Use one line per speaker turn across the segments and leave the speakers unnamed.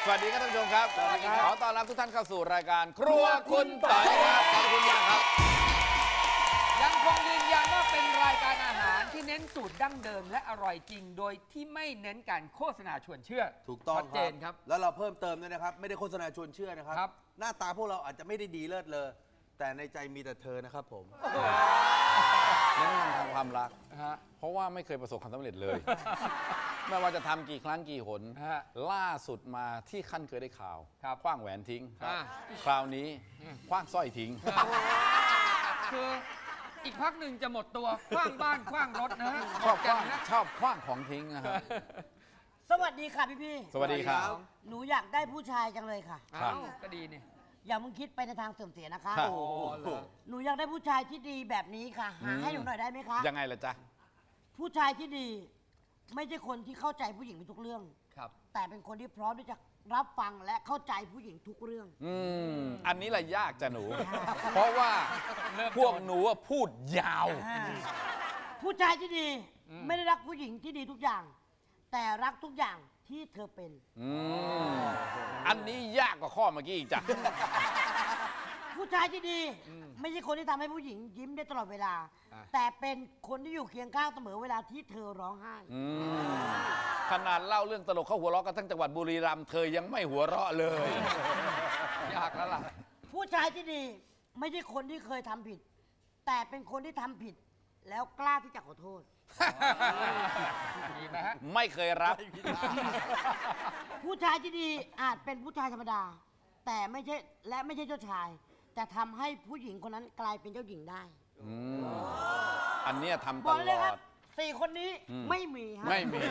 สวัสดีครับท่านผู้ชมครับขอต้อนรับทุกท่านเข้าสู่รายการครัวคุณต่อยครับขอบคุณมากครับ
ยังคงยืนยันว่าเป็นรายการอาหารที่เน้นสูตรดั้งเดิมและอร่อยจริงโดยที่ไม่เน้นการโฆษณาชวนเชื่อ
ถูกต้อง
ชัดเจนครับ
แล้วเราเพิ่มเติมด้วยนะครับไม่ได้โฆษณาชวนเชื่อนะครับ
ครับ
หน้าตาพวกเราอาจจะไม่ได้ดีเลิศเลอแต่ในใจมีแต่เธอนะครับผม
เน้นทางความรัก
ฮะ
เพราะว่าไม่เคยประสบความสำเร็จเลย ไม่ว่าจะทำกี่ครั้งกี่หน
ฮะ
ล่าสุดมาที่ขั้นเคยได้ข่าว
ครับ
คว้างแหวนทิ้ง
อ่า
คราวนี้คว้างสร้อยทิ้ง
คืออีกพักหนึ่งจะหมดตัวคว้างบ้านคว้างรถนะฮะ
ชอบคว้าง
นะ
ชอบคว้างของทิ้งนะครับ
สวัสดีค่ะพี่
สวัสดีครับ
หนูอยากได้ผู้ชายจังเลยค่ะ
ครับ
อ้าวก็ดีนี่
อย่ามึงคิดไปในทางเสื่อมเสียนะคะ
ครับ
โอ้เหรอ
หนูอยากได้ผู้ชายที่ดีแบบนี้ค่ะ หาให้หนูหน่อยได้ไหมคะ
ยังไงล่ะจ๊ะ
ผู้ชายที่ดี ไม่ใช่คนที่เข้าใจผู้หญิงในทุกเรื่อง
ครับ
แต่เป็นคนที่พร้อมที่จะรับฟังและเข้าใจผู้หญิงทุกเรื่อง
อันนี้แหละยากจ้ะหนู เพราะว่าพวกหนูอะพูดยาว
ผู้ชายที่ดีไม่ได้รักผู้หญิงที่ดีทุกอย่าง แต่รักทุกอย่างที่เธอเป็น
อันนี้ยากกว่าข้อเมื่อกี้อีกจ้ะ
ผู้ชายที่ดี ไม่ใช่คนที่ทำให้ผู้หญิงยิ้มได้ตลอดเวลา แต่เป็นคนที่อยู่เคียงข้างเสมอเวลาที่เธอร้องไห้
ขนาดเล่าเรื่องตลกเข้าหัวเราะกันทั้งจังหวัดบุรีรัมย์เธอยังไม่หัวเราะเลย
ยากแล้วล่ะ
ผู้ชายที่ดีไม่ใช่คนที่เคยทำผิด แต่เป็นคนที่ทำผิด แล้วกล้าที่จะขอโทษ
ดีไหมฮะ
ไม่เคยรับ
ผู้ชายที่ดีอาจเป็นผู้ชายธรรมดา แต่ไม่ใช่เจ้าชาย แต่ทำให้ผู้หญิงคนนั้นกลายเป็นเจ้าหญิงได้
อันเนี้ยทำ
บ
ต
อก
ล
เลย
อ
ครับ
ด
สี่คนนี้ไม่มีฮะ
ไม่มี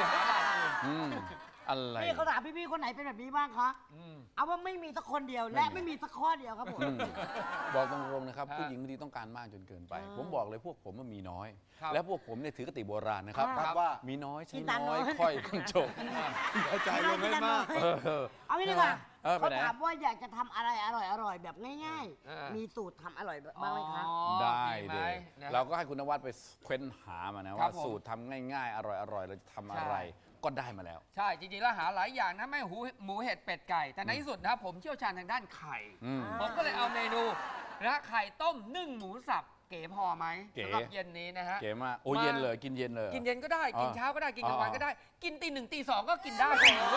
อะไร
พี่เขาถามพี่ๆคนไหนเป็นแบบนี้บ้างคะเอาว่าไม่มีสักคนเดียวและไม่มีสักข้อเดียวครับผม
บอกตรงๆนะครับ
ฮะ
ผู้หญิงบางทีต้องการมากจนเกินไป ผมบอกเลยพวกผมมันมีน้อย
ครับ
และพวกผมเนี่ยถือกติโบราณนะครับ
ครับ
ว่า
มีน้อยใช้
กินตา
น้อย
น้อย
ค่อยบรรจบ
เข้าใจเลยไม่มาก
เอางี้ดีกว่า
ไป
เขา
ไหน
ถามว่าอยากจะทำอะไรอร่อยๆแบบง่าย
อ่า
ๆ
มี
มีสูตรทำอร่อยบ้างไหมคะ
อ๋อ
ได้
มีไห
เล
ม
ย
นะ
เราก็ให้คุณนวัดไปเค้นหามานะ
ครั
ว่า
บผม
สูตรทำง่ายๆ อร่อยๆเราจะทำอะไร ก็ได้มาแล้ว
ใช่ จริงๆ แล้วหาหลายอย่างนะไม่หมูเห็ดเป็ดไก่ แต่ในที่สุดนะผมเชี่ยวชาญทางด้านไข่ ผมก็เลยเอาเมนูนะไข่ต้มนึ่งหมูสับเก๋พอไหม
เก๋
สำหรับเย็นนี้นะฮะ
เก๋มากโอ้เย็นเลยกินเย็นเลย
กินเย็นก็ได้ กินเช้าก็ได้ กินกลางวัน
อ๋อ
ก็ได้ กินตีหนึ่งตีสองก็กินได้หมู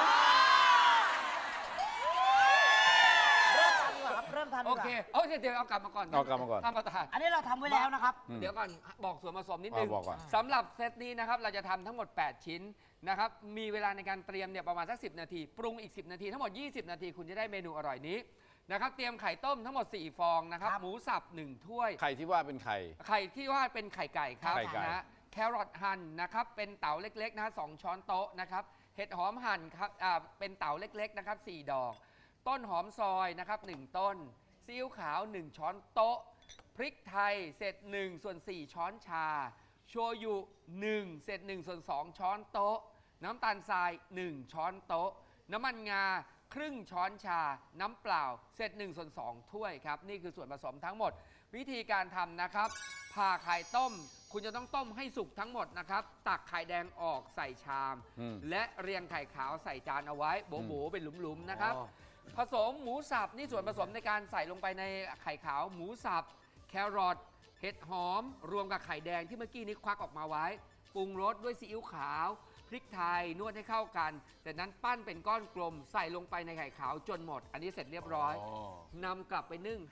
เริ่มทำดีกว่าครับ
โอเคเอาเดี๋ยวเอากลับมาก่อน
เอากลับมาก่อน
ท่านประธาน
อันนี้เราทำไว้แล้วนะครับ
เดี๋ยวก่อนบอกส่วนผสมนิดนึง
บอกก่อน
สำหรับเซตนี้นะครับเราจะทำทั้งหมด 8 ชิ้นนะครับมีเวลาในการเตรียมเนี่ยประมาณสัก10 นาที ปรุงอีก 10 นาที ทั้งหมด 20 นาทีคุณจะได้เมนูอร่อยนี้นะครับเตรียมไข่ต้มทั้งหมด 4 ฟองนะครับ
ครับ
หมูสับ 1 ถ้วย
ไข่ที่ว่าเป็นไข่
ไข่ที่ว่าเป็นไข่ไก่ครับ
ไข่ไก่
นะแครอทหั่นนะครับเป็นเต๋าเล็กๆนะ2ช้อนโต๊ะนะครับเห็ดหอมหั่นครับเป็นเต๋าเล็กๆนะครับ4 ดอก ต้นหอมซอยนะครับ1 ต้นซีอิ๊วขาว 1 ช้อนโต๊ะ พริกไทยเศษ1 ส่วน 4 ช้อนชา โชยุ1 เศษ1 ส่วน 2 ช้อนโต๊ะ น้ำตาลทราย 1 ช้อนโต๊ะ น้ำมันงาครึ่งช้อนชา น้ำเปล่าเศษ1 ส่วน 2 ถ้วยครับนี่คือส่วนผสมทั้งหมด วิธีการทำนะครับผ่าไข่ต้ม คุณจะต้องต้มให้สุกทั้งหมดนะครับตักไข่แดงออกใส่ชาม และเรียงไข่ขาวใส่จานเอาไว้โบ๋ๆเป็นหลุมๆนะครับ ผสมหมูสับนี่ส่วนผสมในการใส่ลงไปในไข่ขาวหมูสับแครอทเห็ดหอม รวมกับไข่แดงที่เมื่อกี้นี้ควักออกมาไว้ปรุงรสด้วยซีอิ๊วขาวพริกไทยนวดให้เข้ากันจากนั้นปั้นเป็นก้อนกลมใส่ลงไปในไข่ขาวจนหมด อันนี้เสร็จเรียบร้อยนำกลับไปนึ่ง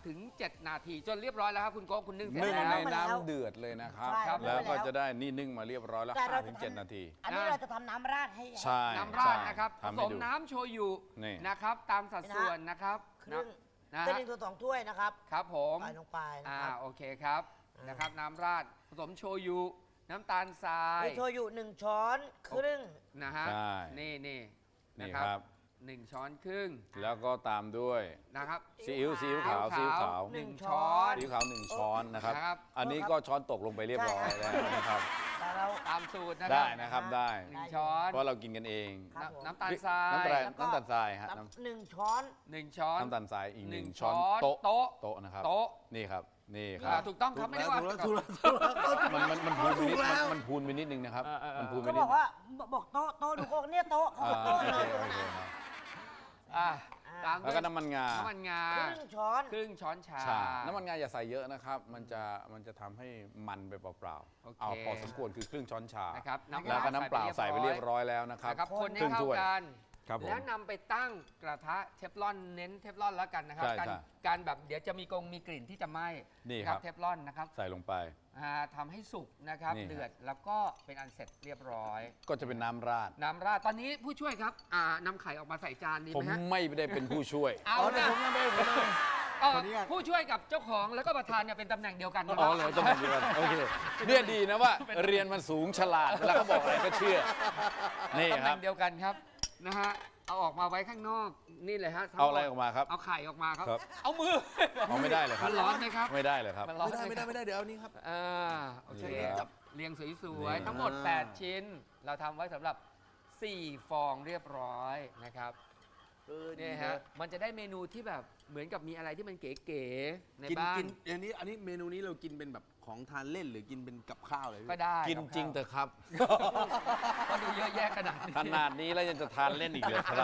5-7 นาทีจนเรียบร้อยแล้วครับคุณโก้คุณนึ่งเสร็จ
นึ่ง
แล้ว
ในน้ำเดือดเลยนะครับ
ใช่ครับ
แล้วก็จะได้นี่นึ่งมาเรียบร้อยแล้ว
แต่เราจะ
5-7 นาที
อันนี้เราจะทำน้ำราดให้
ใช่
น้ำราดนะครับผ
ทำ
ส
ให้
ม
ดู
น้ำโชยุ
นี่
นะครับตามสัดส่วนนะครับ
ครึ่ง
นะ
เป็น
ฮะ
1 ตัว 2 ถ้วยนะครับ
ครับผม
ใส่ลงไปนะครับ
โอเคครับนะครับน้ำราดผสมโชยุน้ำตาลทราย
มีโชยุ1 ช้อนครึ่ง
นะฮะ
ใช่
นี่
นี่
นะครับ 1 ช้อนครึ่ง
แล้วก็ตามด้วย
นะครับ
ซีอิ๊วขาวซีอิ๊วขาว
หนึ่งช้อน
ซีอิ๊วขาว1 ช้อนนะครับ
ครับ
อันนี้ก็ช้อนตกลงไปเรียบร้อยแล้วนะครับ
แต่เรา
ตามสูตรนะค
ได้
รับ
นะครับได้
1 ช้อน
เพราะเรากินกันเอง
ครับผม
น้ำตาลทราย
น้ำตาลทรายฮะ
1 ช้อน
1 ช้อน
น้ำตาลทรายอีก
หนึ่ง
1 ช้อน
ช้อน
โต๊ะ
โต๊ะ
โต๊ะนะครับ
โต๊ะ
นี่ครับนี่ครับ
ถูกต้องครับไม่ได้ว่า
ถูกแล้ว
มันพูนไปนิดมันพูนไปนิดนึงนะครับ มันพูนไป
ก็
นิ
บ
ด
อกว่าบอกโต๊ะดูโก้เนี่ยโต๊ะเขาบอกโต๊ะ
โอ
เล
เค
ย
โอเคครับ
ตาม
แล้วก็น้ำมันงา
น้ำมันงา
ครึ่งช้อน
ครึ่งช้อนชา
ใช่น้ำมันงาอย่าใส่เยอะนะครับ มันจะทำให้มันไปเปล่า
โอเค
ๆเอาพอสมควรคือครึ่งช้อนชา
นะครับ
แล้วก็น้ำเปล่าใส่ไปเรียบร้อยแล้วนะครับ
นะครับคนให้
ครึ่ง
เข้า
ถ้วย
กัน
ครับผม
แล้วนำไปตั้งกระทะเทฟลอนเน้นเทฟลอนแล้วกันนะครับ
ใช่
การ
ใช่
การแบบเดี๋ยวจะมีมีกลิ่นที่จะไหม้
นี่
นะครับ เทฟลอนนะครับ
ใส่ลงไป
ทำให้สุกนะครับ
นี่ครับ
เดือดแล้วก็เป็นอันเสร็จเรียบร้อย
ก็จะเป็นน้ำราด
น้ำราดตอนนี้ผู้ช่วยครับนำไข่ออกมาใส่จานดี
ผม
ไหมฮะ
ไม่ได้เป็นผู้ช่วย
เอา
แต่
นะ
ผมยังไม่ผมเลย
ผู้ช่วยกับเจ้าของแล้วก็ประธานเนี่ยเป็นตำแหน่งเดียวกันนะค
อ๋
รั
อบ เลยต้องเป็นเดือนโอเคเนี่ยดีนะว่าเรียนมันสูงฉลาดเวลาเขาบอกอะไรก็เชื่อ นี่
ตำแห
ครั
น่
บ
งเดียวกันครับนะฮะเอาออกมาไว้ข้างนอกนี่เลยฮะทั้งหมด
เอาอะไรออกมาครับ
เอาไข่ออกมาครับ
ครับ
เอามือ
เอาไม่ได้เลยครั
มั
บ
นร้อนไหมครับ
ไม่ได้เลยครับ
มันร้อน
ไม่ได้
ห
ไม่ได้เดี๋ยวเอานี้ครับ
โอเค
นี่ครับ
เรียงสวย
นี่
ๆ ทั้งหมด 8 ชิ้น เราทำไว้สำหรับ 4 ฟองเรียบร้อยนะครับนี่ฮะมันจะได้เมนูที่แบบเหมือนกับมีอะไรที่มันเก๋ๆใน
กิน
บ้า
กิ
น
นอันนี้เมนูนี้เรากินเป็นแบบของทานเล่นหรือกินเป็นกับข้าวเลยพี่
ก็ได้
กินจริงเถอะครับ
ก็ดูเยอะแยะขนาดนี้
ขนาดนี้แล้วยังจะทานเล่นอีกเลยครับ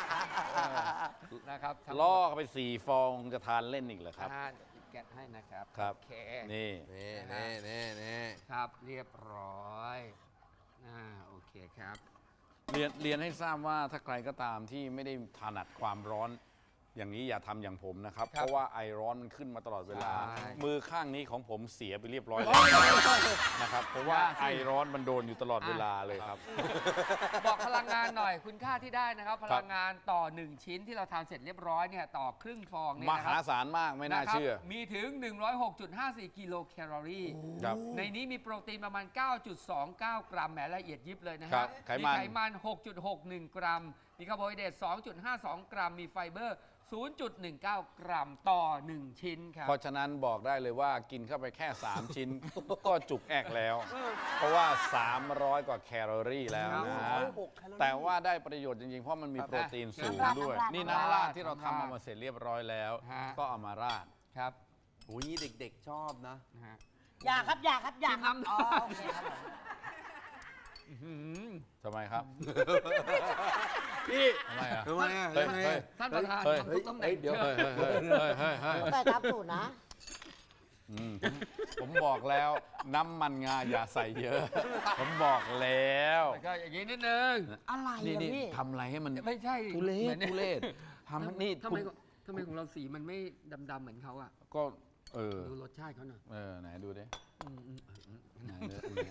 นะครับทั้งหมด
ล่อไป4 ฟองจะทานเล่นอีกเหรอครับ
เดี๋ยวแกะให้นะครับ
ครับ
โอเค
นี่
นี่
ครับเรียบร้อยโอเคครับ
เรียนให้ทราบว่าถ้าใครก็ตามที่ไม่ได้ถนัดความร้อน อย่างนี้อย่าทำอย่างผมนะครับ
ครับ
เพราะว่าไอร้อนมันขึ้นมาตลอดเวลา
ใช่
มือข้างนี้ของผมเสียไปเรียบร้อยแล้วนะครับ เพราะว่าไอร้อนมันโดนอยู่ตลอดเวลาเลยครับ
บอกพลังงานหน่อยคุณค่าที่ได้นะครับ พลังงานต่อ 1 ชิ้นที่เราทานเสร็จเรียบร้อยเนี่ยต่อครึ่งฟองเนี่ย
ม
นะค
หา
รับ
ศาลมากไม่น่า
นะครับ
เชื่อ
มีถึง 106.54 กิโลแคลอรี่
ครับ
ในนี้มีโปรตีนประมาณ 9.29 กรัมแหมละเอียดยิบเลยนะ
ครั
ฮะ
บไขมัน
มีไขมัน 6.61 กรัม มีคาร์โบไฮเดรต 2.52 กรัม มีไฟเบอร์ 0.19 กรัมต่อ 1 ชิ้นครับ
เพราะฉะนั้นบอกได้เลยว่ากินเข้าไปแค่ 3 ชิ้น ก็จุกแอกแล้ว เพราะว่า 300 กว่าแคลอรี่แล้วนะ แต่ว่าได้ประโยชน์จริงๆ เพราะมันมีโปรตีนสูงด้วย นี่น้ำราดที่เราทำเอามาเสร็จเรียบร้อยแล้ว
ฮะ
ก็เอามาราด
ครับ
โอ้ยนี่เด็กๆชอบนะ
นะฮะ
อย่าครับอย่าครับอย่าครับ
จิ้มน้ำ
อ๋อโอเคครับผม
ทำไมครับ
พี่
ทำไมอ่ะ
ทำไมอ่ะ
เฮ้ย
ทำไม
เฮ้ย
อ่ะ
ท่านประธาน
เฮ้ย
ทำทุกตำแหน่ง
เดี๋ยว
เชิญ
เฮ้ยเฮ้ยเฮ้ยเฮ้ย
แต่ตามสูตรนะ
อืมผมบอกแล้วน้ำมันงาอย่าใส่เยอะ ผมบอกแล้ว
แล้วก็อย่างนี้นิดนึง
อะไร
นี่
อ่ะ
นี่
พี่
ทำอะไรให้มัน
ไม่ใช่
ทุเร
หมื
ศ
อนนี่ย
ทุเรศทำนี่
ทำไม
คุณ
ทำไมของเราสีมันไม่ดำๆเหมือนเขาอ่ะ
ก็เออ
ดูรสชาติเขาหน่อย
ไหนดูดิ
อืม
ไหนดู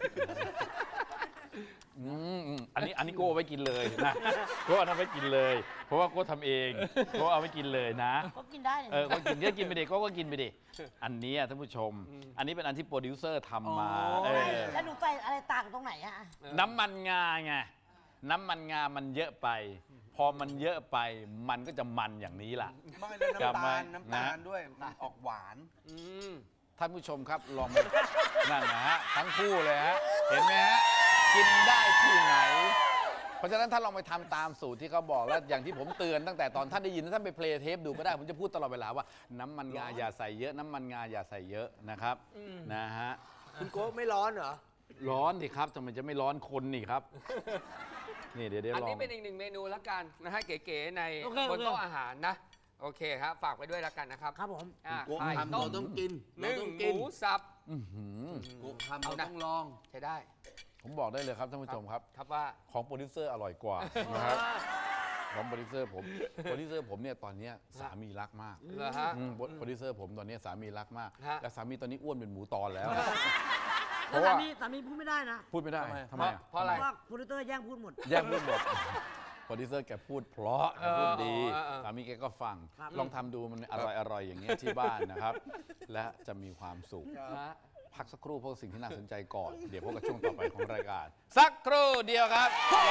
อันนี้โก้เอาไว้กินเลยนะโก้เอาไว้กินเลย เพราะว่าโก้ทำเองโก้เอาไว้กินเลยนะ
ก็กินได้เนี่ย
ก็กินก็กินไปดิโก้ก็กินไปดิอันนี้ท่านผู้ชม อันนี้เป็นอันที่โปรดิวเซอร์ทำมา
แล้วหนูใส่อะไรต่างตรงไหนอะ
น้ำมันงาไงน้ำมันงามันเยอะไป พอมันเยอะไปมันก็จะมันอย่างนี้ล่ะ
ไม่แล้ว
จำไว้
น้ำตาล
นะ
ด้วยมันออกหวาน
อืม
ท่านผู้ชมครับลองมา นั่นนะฮะทั้งคู่เลยฮะเห็นไหมฮะกินได้ที่ไหน เพราะฉะนั้นถ้าลองไปทำตามสูตรที่เขาบอกแล้วอย่างที่ผมเตือนตั้งแต่ตอนท่านได้ยินท่านไปเพลย์เทปดูก็ได้ผมจะพูดตลอดเวลาว่าน้ำมันงาอย่าใส่เยอะน้ำมันงาอย่าใส่เยอะนะครับนะฮะ
คุณโก้ไม่ร้อนเหรอ
ร้อนดิครับทำไมจะไม่ร้อนคนนี่ครับนี่เดี๋ยว
อัน
ลอ
นี้
ง
เป็นอีกหนึ่งเมนูละกันนะฮะเก๋ๆใน
โอเค
บนโต๊ะอาหารนะ โอเคครับ ฝากไปด้วยละกันนะครับ
ครับผม
โก้
ไข่
ทำ
ต้
เรา
ม
ต้องกิน
หนึ่ง
เราต้อง
ห
กิน
มูสับ
อื้อหือ
โก้ทำเราต้องลอง
ใช้ได้
ผมบอกได้เลยครับท่านผู้ชมครับ
ครับว่า
ของโปรดิวเซอร์อร่อยกว่านะครับของโปรดิวเซอร์ผมเนี่ยตอนเนี้ยสามีรักมาก
เหรอฮะ
โปรดิวเซอร์ผมตอนเนี้ยสามีรักมาก
ฮะ
และสามีตอนนี้อ้วนเป็นหมูตอนแล้ว เพ
แล้ว
ราะว่า
สามีพูดไม่ได้นะ
พูดไม่ได้ทำไมอ่ะ
เพราะอะไร
เพราะว่าโปรดิวเตอร์แย่งพูดหมด
แย่งพูดหมดโปรดิวเซอร์แกพูดเพราะแกพูดดี
เออ
สามีแกก็ฟัง
ครับ
ลองทำดูมันอร่อยอย่างเงี้ยที่บ้านนะครับ และจะมีความสุข
ฮะ
พักสักครู่เพราะสิ่งที่น่าสนใจก่อน เดี๋ยวพบกับช่วงต่อไปของรายการ สักครู่เดียวครับ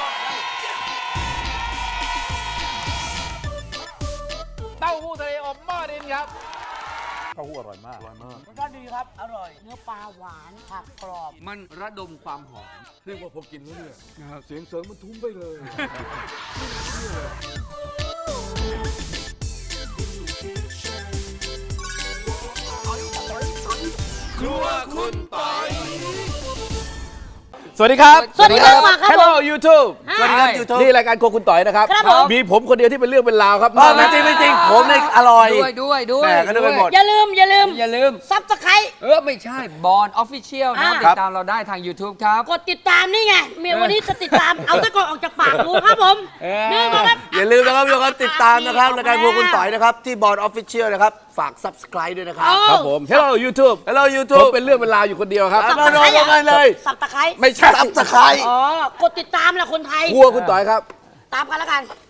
เต้าหู้ทะเลอบหม้อดินครับเต้าหู้อร่อยมาก
รสชาติดีครับ อร่อย เนื้อปลาหวาน ผักกรอบ
มันระดมความหอม
เรียกว่าพอกินแล้วเนี่ยเสียงเสริงมันทุ้มไปเลย
ครัวคุณปอยสวัสดีครับ
สวัสดีครับมาครับ
Hello YouTube
สวัสดีครับ YouTube
นี่รายการโครัวคุณต่อยนะครับ
ครับผม
มีผมคนเดียวที่เป็นเรื่องเป็นราวครับ
ไม่จริงไม่จริงผมเนี่ยอร่อย
ด้วย
แหม่ก็นึกไปหมด
อย่าลืม
อย่าลืม
ซับสไครต์
ไม่ใช่บอลออฟฟิเชียลนะ
อ่า
ติดตามเราได้ทาง YouTube ครับ
กดติดตามนี่ไงเมียวันนี้จะติดตาม เอาตะกอนออกจากปากดูครับผม นี่มาครับ
อย่าลืมนะครับทุกคนติดตามนะครับรายการพวกคุณต่อยนะครับ ที่บอร์ดออฟฟิเชียลนะครับ ฝาก subscribe ด้วยนะครับ
ครับผม Hello YouTube
Hello
ผม
YouTube
เป็นเรื่องเป็นราวอยู่คนเดียวครับ
มาลงกันเลย
สับตะไคร้
ไม่ใช่
subscribe
อ๋อ กดติดตามแหละคนไทย
ครัวคุณต่อยครับ
ตามกันแล้วกัน